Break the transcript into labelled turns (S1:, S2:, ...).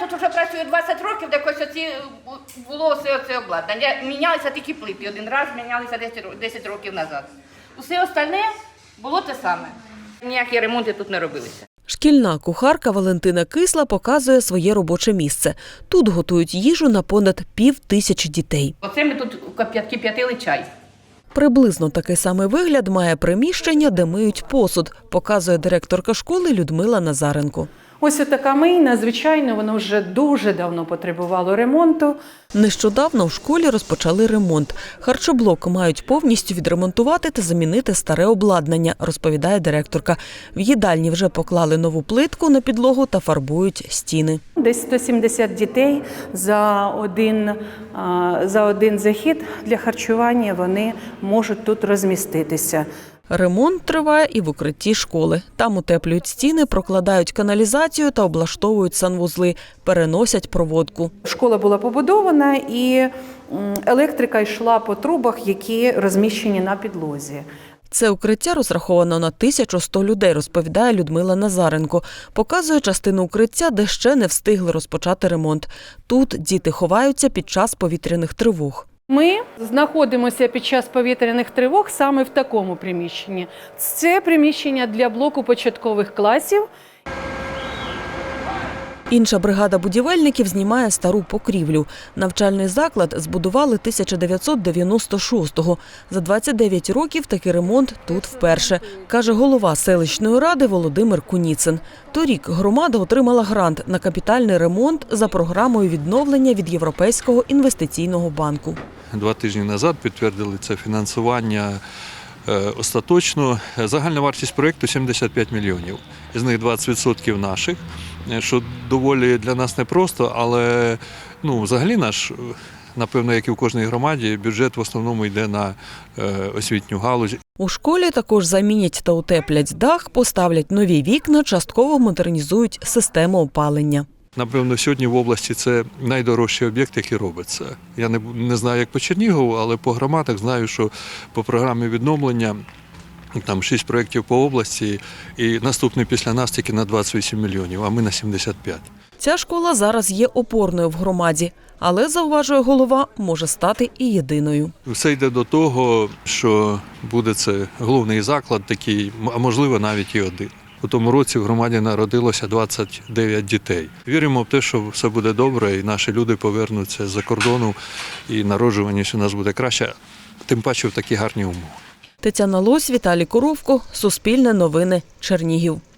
S1: тут вже працюю 20 років, так ось було все це обладнання. Мінялися тільки плити. Один раз мінялися 10 років назад. Усе остальне було те саме. Ніякі ремонти тут не робилися.
S2: Шкільна кухарка Валентина Кисла показує своє робоче місце. Тут готують їжу на понад 5000 дітей.
S1: Оце ми тут кип'ятили чай.
S2: Приблизно такий самий вигляд має приміщення, де миють посуд, показує директорка школи Людмила Назаренко.
S3: Ось така мийна, звичайно, воно вже дуже давно потребувало ремонту.
S2: Нещодавно в школі розпочали ремонт. Харчоблок мають повністю відремонтувати та замінити старе обладнання, розповідає директорка. В їдальні вже поклали нову плитку на підлогу та фарбують стіни.
S3: Десь 170 дітей за один захід для харчування вони можуть тут розміститися.
S2: Ремонт триває і в укритті школи. Там утеплюють стіни, прокладають каналізацію та облаштовують санвузли, переносять проводку.
S3: Школа була побудована і електрика йшла по трубах, які розміщені на підлозі.
S2: Це укриття розраховано на 1100 людей, розповідає Людмила Назаренко. Показує частину укриття, де ще не встигли розпочати ремонт. Тут діти ховаються під час повітряних тривог.
S3: Ми знаходимося під час повітряних тривог саме в такому приміщенні. Це приміщення для блоку початкових класів.
S2: Інша бригада будівельників знімає стару покрівлю. Навчальний заклад збудували 1996-го. За 29 років такий ремонт тут вперше, каже голова селищної ради Володимир Куніцин. Торік громада отримала грант на капітальний ремонт за програмою відновлення від Європейського інвестиційного банку.
S4: 2 тижні назад підтвердили це фінансування остаточно. Загальна вартість проєкту – 75 мільйонів. Із них 20% наших, що доволі для нас непросто, але взагалі наш, напевно, як і в кожній громаді, бюджет в основному йде на освітню галузь.
S2: У школі також замінять та утеплять дах, поставлять нові вікна, частково модернізують систему опалення.
S4: Напевно, сьогодні в області це найдорожчий об'єкт, який робиться. Я не знаю, як по Чернігову, але по громадах знаю, що по програмі відновлення там 6 проєктів по області і наступний після нас тільки на 28 мільйонів, а ми на 75.
S2: Ця школа зараз є опорною в громаді, але, зауважує голова, може стати і єдиною.
S4: Все йде до того, що буде це головний заклад такий, а можливо навіть і один. У тому році в громаді народилося 29 дітей. Віримо в те, що все буде добре і наші люди повернуться з-за кордону і народжуваність у нас буде краще, тим паче в такі гарні умови.
S2: Тетяна Лось, Віталій Коровко, Суспільне новини, Чернігів.